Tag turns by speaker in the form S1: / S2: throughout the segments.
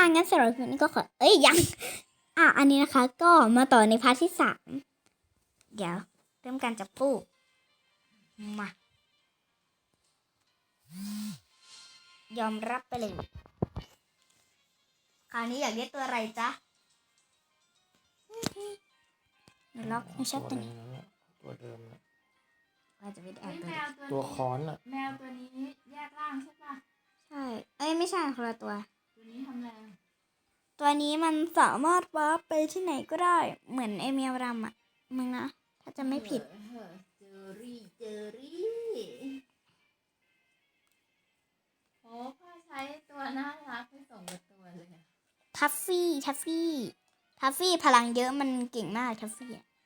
S1: งั้นสำหรับคลิปนี้ก็ขอยังอันนี้นะคะก็มาต่อในพาร์ทที่3เดี๋ยวเริ่มการจับคู่มายอมรับไปเลยคราวนี้อยากเรียกตัวอะไรจ๊ะเดี๋ยวล็อกไม่ใช่ตัวนี้
S2: ตัวเดิมนะ
S1: ว่าจะเป็นแอบ
S2: ตัวค้อนอ่ะ
S3: แมวตัวนี้แยกร่างใช่ปะ
S1: ใช่ไม่ใช่คนละตัว
S3: นี้ทำอะไร
S1: ตัวนี้มันสามารถวาร์ปไปที่ไหนก็ได้เหมือนไอเมียวดำอ่ะมึงนะถ้าจะไม่ผิด
S3: เจอรี่โอ้พ่อใช้ตัวน่ารักไปส่งกับตัวเลย
S1: ทัฟฟี่พลังเยอะมันเก่งมากทัฟ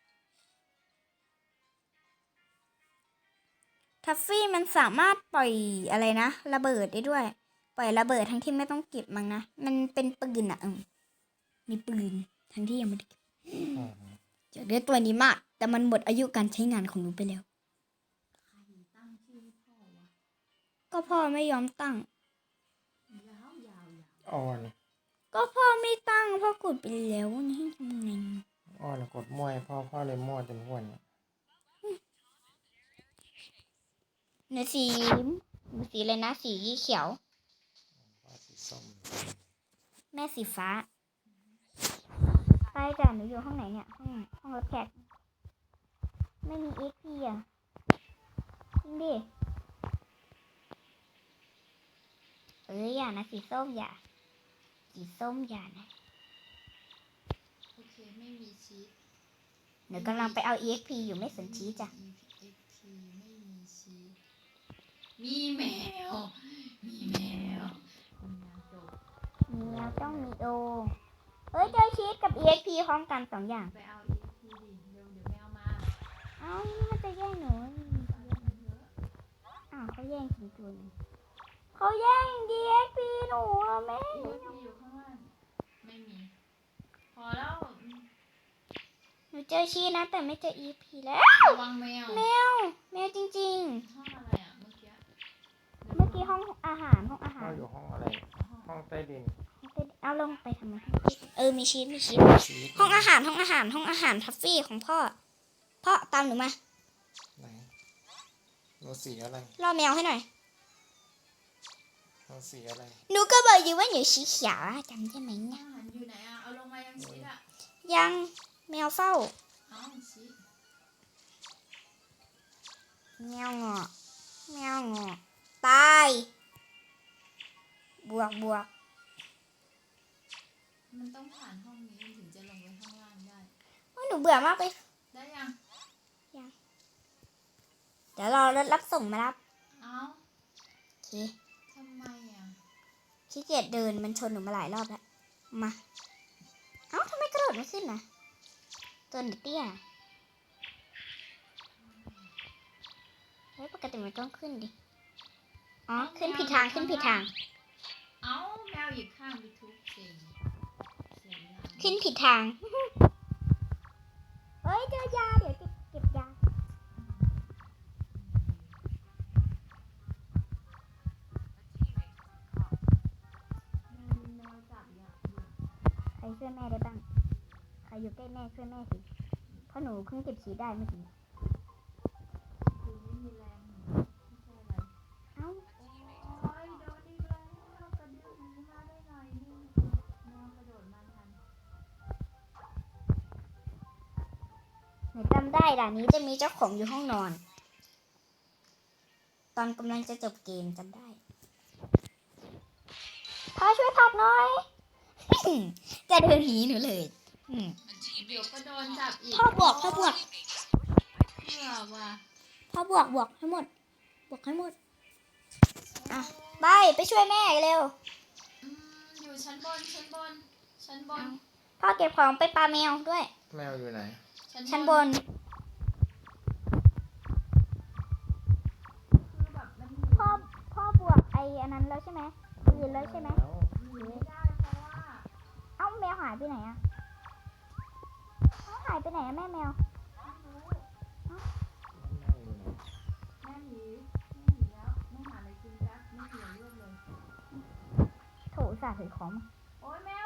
S1: ฟี่มันสามารถปล่อยอะไรนะระเบิดได้ด้วยปล่อยระเบิดทั้งที่ไม่ต้องเก็บมั้งนะมันเป็นปืนอะมีปืนทั้งที่ยังไม่ได้เก็บจะเรียกตัวนี้มากแต่มันหมดอายุการใช้งานของหนูไปแล้ว
S3: ใครตั้งชื่อพ่อวะ
S1: ก็พ่อไม่ยอมตั้ง
S3: ยาว
S2: อ่อน
S1: ก็พ่อไม่ตั้งพ่อกดไปแล้วนี่ทำไง
S2: อ่อนกดมั่วพ่อเลยมั่วจนห้วน
S1: หนูสีเลยนะสีเขียว
S2: สีส้ม
S1: แม่สีฟ้าไปจ้ะหนูอยู่ห้องไหนเนี่ยห้องรับแขกไม่มี XP อ่ะจริงดิอย่านะสีส้มอย่านะ
S3: โอเคไม่มีชีส
S1: หนูกำลังไปเอา EXP อยู่ไม่สนชีสจ้ะ
S3: ไม่มีชีสมีแมวมีแมว
S1: ต้องมีโอเจอชีสกับ EXP พร้อมกัน2อย่าง
S3: ไปเอา EXP ดิเดี๋ยวแมวมา
S1: มันจะแย่งหนูเขาแย่งจริงๆเขาแย่ง EXP หนูแม่
S3: EXP อยู่ข้างล่างไม่มีพอแล้ว
S1: หนูเจอชีสนะแต่ไม่เจอ EXP แล้ว
S3: ระวังแมว
S1: จริง
S3: ๆห้องอะไรอ่ะเมื่อ
S1: กี้ห้องอาหาร
S2: อยู่ห้องอะไรห้องใต้ดิน
S1: เอาลงไปทำไมมีชีสห้องอาหารทัฟฟี่ของพ่อตามหนูมา
S2: ไหนหนูสีอะไร
S1: ล่อแมวให้หน่อย
S2: หนูสีอะไร
S1: หนูก็บอกอยู่ว่าหนูสีเขียวจำได้ไหมเนี่ย
S3: อยู่ไหนอ่ะเอาลงมายังชีสอ่ะ
S1: ยังแมวเฝ้า
S3: ชีส
S1: แมวงอตายบวก
S3: มันต้องผ่านห้องนี้ถึงจะลงไปข้างล่างได้
S1: หนูเบื่อมากไป
S3: ได้ยัง
S1: เดี๋ยวรอรถรับส่งมารับโอเค
S3: ทำไมอ่ะ
S1: ขี้เกียจเดินมันชนหนูมาหลายรอบแล้วมาทำไมกระโดดไม่ขึ้นนะตัวหนูเตี้ยปกติมันต้องขึ้นดิขึ้นผิดทาง
S3: แมวหยิบข้างไปทุกสิ่ง
S1: ขึ้นผิดทางเจอยาเดี๋ยวเก็บยาใครช่วยแม่ได้บ้างใครอยู่ใกล้แม่ช่วยแม่สิเพราะหนูเพิ่งเก็บชีได้เมื่อกี้
S3: คือไม่มีแรงไม่ใช่อะไรโดนอีกแล้วกระดึ๊บมาได้หน่อยนึงแมวกระโดดมาทัน
S1: หนูจำได้ด่านนี้จะมีเจ้าของอยู่ห้องนอนตอนกำลังจะจบเกมจำได้พ่อช่วยผักหน่อยจะเดินหนีหนูเลย
S3: เดี๋ยวก็โดนจับอีก
S1: พ่อบวก
S3: เพื่อว่า
S1: พ่อบวกให้หมดไปช่วยแม่เร็ว
S3: อยู่ชั้นบน
S1: พ่อเก็บของไปปาแมวด้วย
S2: แมวอยู่ไหน
S1: ชั้นบนพ่อบวกอันนั้นแล้วใช่ไหมปืนแล้วใช่ไหม
S3: ไม่ได้เพราะว่า
S1: แมวหายไปไหนอะหายไปไหนอะแม่แมว
S3: แม่หนีแล้วแม่หาอะไรกินแป๊บไม่เหลือเลือดเลย
S1: โถสาถือของ
S3: โอ๊ยแม่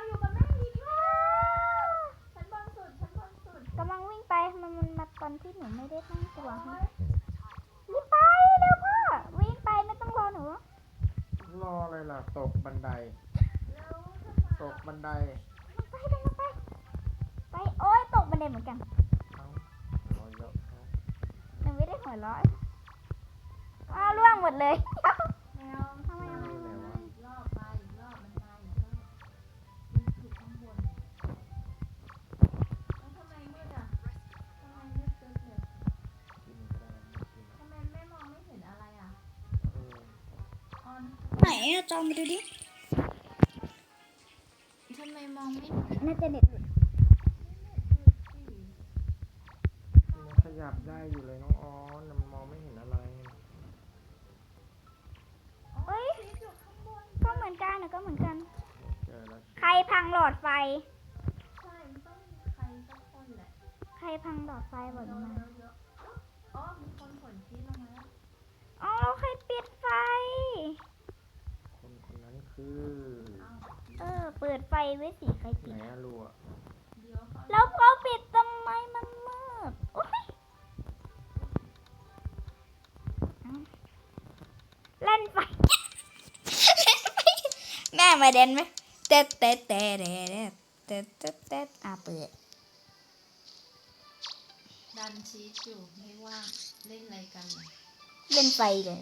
S1: มันมาตอนที่หนูไม่ได้ตั้งตัวให้รีบไปเร็วพ่อวิ่งไปไม่ต้องรอหนู
S2: รออะไรล่ะ ตกบันได ตกบันได
S1: ไปเดินไปไปโอ๊ยตกบันไดเหมือนกัน
S2: เอารอเยอะเอา
S1: หนูไม่ได้หัวเราะอ้าวร่วงหมดเลย
S3: แมว
S1: ทำไม
S2: อยู่ไหนวะ
S3: อีกรอบไปอีกรอบมันมาอีกรอบมันอยู่ข้างบนแล้วทำไมมืดอ่ะทำไมมืดตึ๊ดเลย
S2: กินก็ได้ไม่กิน
S3: ทำไมไม่มองไม่เห็นอะไรอ่ะ
S2: เออ
S3: ออน
S1: ไหนอะจอมไปดูดิ
S3: ทำไมมองไม่เห็น
S1: น่าจะเน็ตหลุด
S2: มันขยับได้อยู่เลยน้องออนแต่มันมองไม่เห็นอะไร
S1: เอ้ย
S3: ชีสอยู่ข้างบน
S1: ก็เหมือนกันนะก็เหมือนกัน
S2: เจอแล้ว
S1: ใครพังหลอดไฟ
S3: ใช่มันต้องมีใครสักคนแหละ
S1: ใครพังหลอดไฟบอกหนูมา
S3: เยอะๆอ๋อมีคนขนชีสลงมาแล้ว
S1: อ๋อแล้วใครปิดไฟ
S2: คนคนนั้นคือ
S1: เปิดไฟไว้สิใคร
S2: ไห
S1: ปิ
S2: น
S1: ด
S2: อะรัว
S3: เดี๋ยวเขา
S1: แล้วเขาปิดทำไมมันมืดโอ๊ยเล่นไฟ แม่มาเด่นไหมเต๊ะเต๊ะเต๊ะเต๊ะเต๊ะเต๊ะเต๊ะเปิด
S3: ดันชีสอยู่ไม่ว่างเล่นอะไรกันเนี่ย
S1: เล่นไฟเลย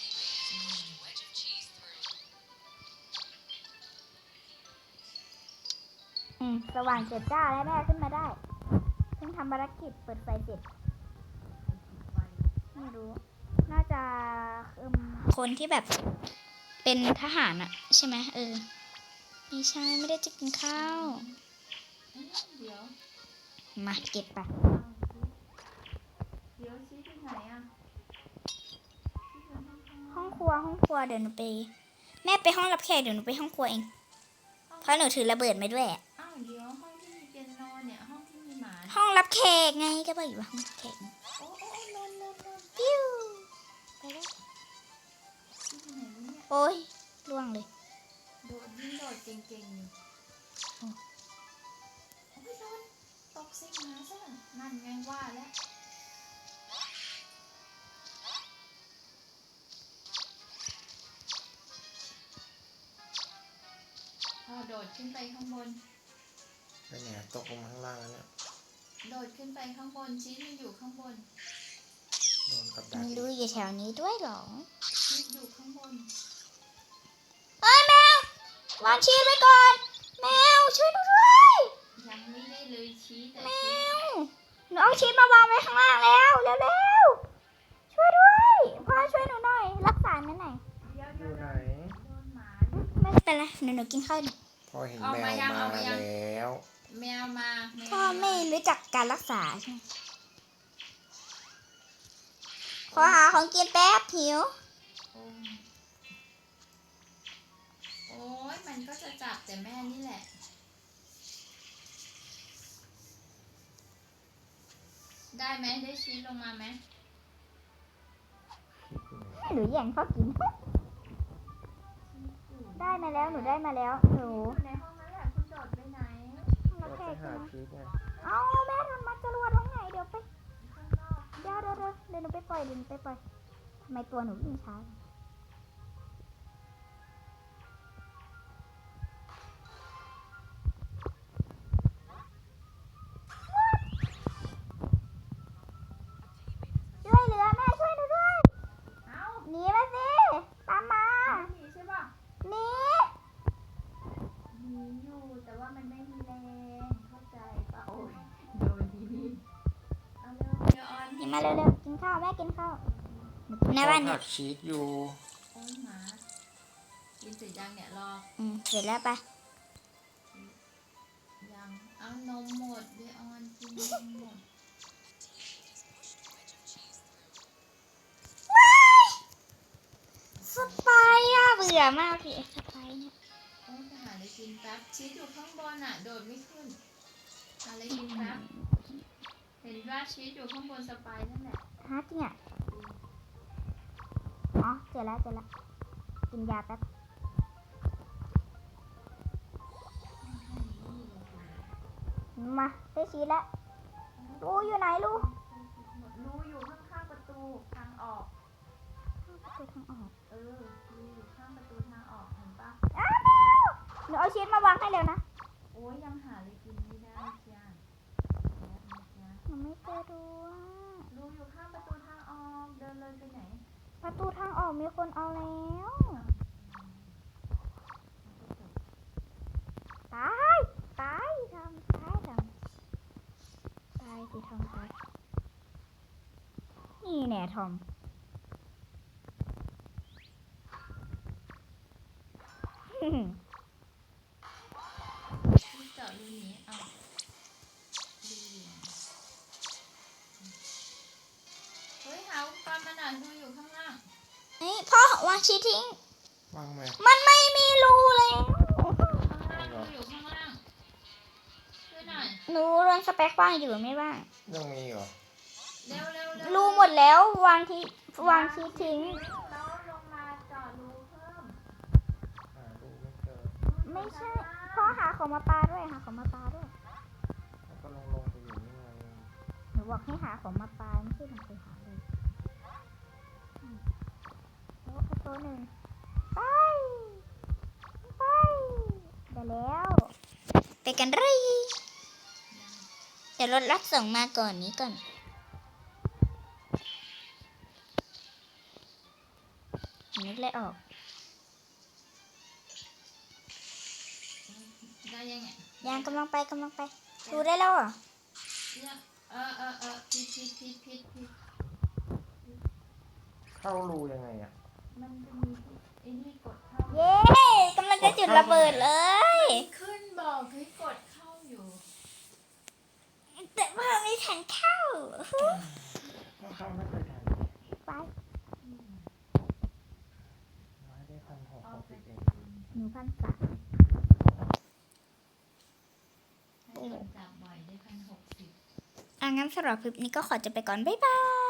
S1: สว่างเจ็ดจ้าแล้วแม่ขึ้นมาได้เพิ่งทำภารกิจเปิดไฟเสร็จ
S3: ไฟ
S1: ไม่รู้ น่าจะคนที่แบบเป็นทหารอะใช่ไหมไม่ใช่ไม่ได้จะกินข้าว
S3: เดี๋ยว
S1: มาเก็บไป
S3: เดี๋ยวชีสที่ไหนอ่ะชีสอยู่ข้าง
S1: ห้องครัวเดี๋ยวหนูไป แม่ไปห้องรับแขกเดี๋ยวหนูไปห้องครัวเองเพราะหนูถือระเบิดมาด้วยอะ
S3: อ้าวเดี๋ยวห้องที่มีเปียโนเนี่ยห้องที่มีหมาเนี่ย
S1: ห้องรับแขกไงก็บอกอยู่ว่าห้องรับแขก
S3: โอ้นอน
S1: ปิ้วไปแล้ว
S3: ชีสที่ไหนวะเนี่ย
S1: โอ้ยล่วงเลย
S3: โดดยิ่งโดดเก่งๆอยู่โอ้ยโดนตกใส่หมาซะนั่นไงว่าแล้วพอโดดขึ้นไปข้างบน
S2: ไปไหนอะตกลงมาข้างล่างแล้วเนี่ย
S3: โดดขึ้นไปข้างบนชีสมันอยู่ข้างบน
S2: โดนกับดัก
S1: ไม่รู้อยู่แถวนี้ด้วยเหรอ
S3: ชีสอยู่ข้างบน
S1: เอ้ยแมววางชีสไว้ก่อน แมวช่วยหนูด้วย
S3: ยังไม่ได้เลยชีสแต่
S1: แม
S3: ชีส
S1: วหนูเอาชีสมาวางไว้ข้างล่างแล้วเร็วๆช่วยด้วยพ่อช่วยหนูหน่อย รักษาหนูหน่อย
S3: เดี๋ยว
S2: อยู่ไหน
S3: โดนหมา
S1: ไม่เป็นไรหนูกินข้าวดิ
S2: พอเห็นแมวมาแล้ว
S3: แมวมาแมว
S1: พ่อไม่รู้จักการรักษาใช่ไหมขอหาของกินแป๊บหิว
S3: โอ้ยมันก็จะจับแต่แม่นี่แหละ ได้ไหมได้ชีสลงมาไหม
S1: หนูแย่งพ่อกิน ได้มาแล้วหนูได้มาแล้วหนู
S3: อยู่ในห้องนั้นแหละคุณโดดไปไหน
S1: รั
S2: เรา
S1: บแข
S2: ไป
S1: กใช่
S2: หา
S1: ไหม
S2: ชีสไง
S1: เอาแม่ทำมาจรวดห้องไหนเดี๋ยวไป
S3: ข้างนอก
S1: เดี๋ยวหนูไปปล่อยทำไมตัวหนูวิ่งช้าช่วยเหลือแม่ช่วยหนูด้วย
S3: เอ้า
S1: หนีมาสิตามมา
S3: หนีใช่ป่ะ
S1: หนี
S3: หนีอยู่แต่ว่ามันไม่มีแรงเข้าใจป่ะโอ้ยโดนทีนี้เอาเร็วเดี๋ยวออน
S1: หนีมาเร็วๆกินข้าวแม่กินข้าวหนูกินในบ้าน
S2: พ่อ
S1: นี่
S2: ผักชีสอยู่
S3: โอ้ยหมากินเสร็จยังเนี่ยรอ
S1: เสร็จแล้วไป
S3: ยังเอานมหมดเดี๋ยวออนกินนมหมด
S1: สไปอะเบื่อมากพี่สไปเนี่ย
S3: โอ้ยไปหาอะไรกินแป๊บชีสอยู่ข้างบนอ่ะ โดดไม่ขึ้นหาอะไรกินแป๊บเห็นว่าชีสอยู่ข้างบนสไปนั่นแหละ
S1: ฮะจริงอ่ะอ๋อเจอแล้วกินยาแป๊บมาได้ชีสแล้วรูอยู่ไหนรู
S3: รูอยู่ข้างๆประตูทางออก
S1: ประตูทางออก
S3: รูอยู่ข้างประตูทางออกเห็นปะ
S1: อ้าวหนูเอาชีสมาวางให้เร็วนะ
S3: โอ้ยยังหาอะไรกินไม่ได้จ้าแล้วนะจ๊ะ
S1: หนูไม่เจอรูอะ
S3: รูอยู่ข้างประตูทางออกเดินเลยไปไหน
S1: ประตูทางออกมีคนเอาแล้วตายตายทำตายทำตายสิทอมตายนี่แน่ทอม
S3: ที่เจาะรูนี้เอารูอยู่เฮ้ยหาอุปกรณ์มาหน่อยรูอยู่ข้างล่าง
S1: นี่พ่อวางชีสทิ้ง
S2: วางไหม
S1: มันไม่มีรูแล้ว
S3: ข้างล่างรูอยู่ข้างล่างช่วยหน่อย
S1: หนูเรื่องสเปคว่างอยู่ไม่ว่าง
S2: ยังมีเหรอ
S3: เร็วเร็วเร็ว
S1: รูหมดแล้ววางที่วางชีสทิ้ง
S3: แล้วลงมาเจาะรูเพิ่ม
S2: หาดูไม่เจอ
S1: ไม่ใช่พ่อหาของมาปาด้วยหาของมาปาด้วย
S2: แล้วก็ลงไปอยู่นี่ไง
S1: หนูบอกให้หาของมาปาไม่ใช่หนูไปหาเลยโอ้เอาตัวหนึ่งไปไปได้แล้ว ไปกันเลยเดี๋ยวรถรับส่งมาก่อนนี้ก่อนนึกเลยออก
S3: ได้ยังไง
S1: ยังกำลังไปดูได้แล้วเหรอ
S3: เนี่ยผิด
S2: เข้ารูยังไงอ่ะ
S3: มันจะมีไอ้นี่กดเข้า
S1: เย้กำลังจะจุดระเบิดเลย
S3: ขึ้นบอกให้กดเข้าอยู่
S1: แต่ว่าไม่ทันเข้า
S2: ก็เข้าไม่เคยทัน
S1: ไป
S2: น้อยได้1,660เอง
S1: หนูพันสาม
S3: ให้คนจับบ่อยได้1,060
S1: งั้นสำหรับคลิปนี้ก็ขอจะไปก่อน บ๊ายบาย